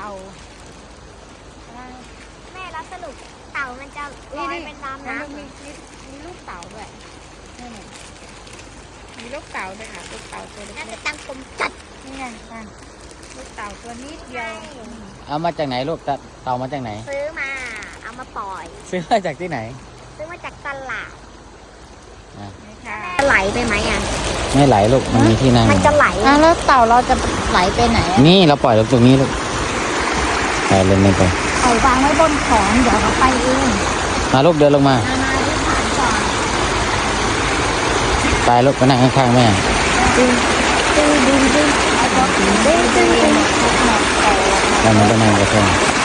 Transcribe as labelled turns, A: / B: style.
A: ต่า
B: แม่แล้วสรุปเต่ามันจะลอยเป็นตามน้ำ
A: มีลูกเต่าด้วยนี่มีลูกเต่าด้วยค่ะลูกเต่าตัวเล็
B: น่าจะ
A: ก
B: ตั้งกลมจัด
A: ๆนี่ไงนั่นลูกเต่าตัวนิดเดียว
C: เอามาจากไหนลูกเต่ามาจากไหน
B: ซื้อมาเอามาปล่อย
C: ซื้อมาจากที่ไหน
B: ซื้อมาจากตลาด
A: นี่ค่ะ
B: จะไหลไปไหมอ่ะ
C: ไม่ไหลลูกมันมีที่นั่ง
B: มันจะไหล
A: แล้วเต่าเราจะไหลไปไหน
C: นี่เราปล่อยลูกตรงนี้ลูกไปเล่นไป
A: เอาวางไว้บนของเดี๋ยวเราไปเอง
C: มาลูกเดินลงมา
A: มาที่ฐานก่อน
C: ไปลูกไปนั่งข้างๆแม่
A: ดึงเอาตัวดึง
C: แล้วมันก็นั่งกระแทก